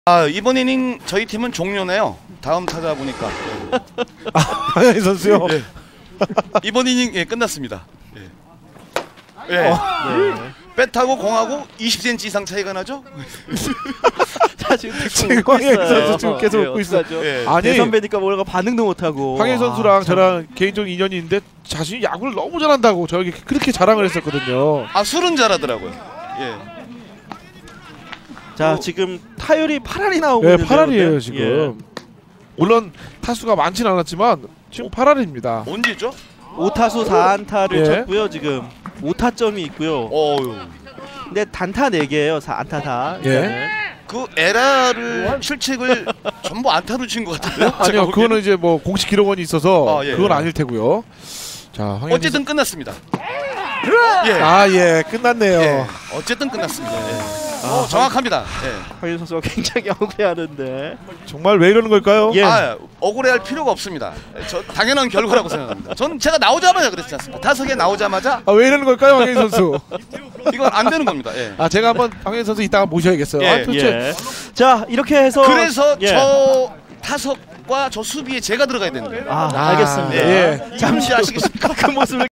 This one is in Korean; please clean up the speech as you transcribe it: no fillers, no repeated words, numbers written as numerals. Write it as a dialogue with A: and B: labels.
A: 아, 이번 이닝 저희 팀은 종료네요. 다음 타자 보니까.
B: 황현희 선수요.
A: 예. 이번 이닝 끝났습니다. 예. 예.
C: 네.
A: 배타고 공하고 20cm 이상 차이가 나죠?
C: 자 지금
B: 황현희 선수 지금 계속 웃고 있어요.
A: 예.
B: 아니
C: 선배니까 뭔가 반응도 못하고.
B: 황현희 선수랑 저랑 개인적 인연이 있는데 자신이 야구를 너무 잘한다고 저에게 그렇게 자랑을 했었거든요.
A: 아, 술은 잘하더라고요. 예.
C: 자 지금 타율이 8할이 나오고
B: 네,
C: 있는데요.
B: 8할이에요
C: 근데?
B: 지금. 물론 타수가 많지는 않았지만 지금 8할입니다.
A: 언제죠?
C: 5타수 4안타를
B: 예.
C: 쳤고요. 지금 5타점이 있고요.
A: 어유.
C: 근데 단타 4개예요. 4안타 다.
B: 예.
A: 그 에라를 실책을 전부 안타로 친 것 같은데요?
B: 아니요, 그거는 이제 뭐 공식 기록원이 있어서
A: 예.
B: 그건 아닐 테고요. 자, 황현희
A: 어쨌든 끝났습니다. 예.
B: 예, 끝났네요.
A: 예. 어쨌든 끝났습니다. 예. 정확합니다. 예.
C: 황현희 선수가 굉장히 억울해하는데.
B: 정말 왜 이러는 걸까요?
C: 예.
A: 아, 억울해할 필요가 없습니다. 저 당연한 결과라고 생각합니다. 전 제가 나오자마자 그랬지 않습니까? 타석에 나오자마자
B: 왜 이러는 걸까요, 황현희 선수?
A: 이건 안 되는 겁니다. 예.
B: 제가 한번 황현희 선수 이따가 모셔야겠어요.
A: 예,
B: 도대체
C: 예. 자 이렇게 해서
A: 그래서
C: 예.
A: 저 타석과 저 수비에 제가 들어가야 되는데.
C: 알겠습니다.
B: 예.
A: 잠시 아시겠습니까?
C: 그 모습을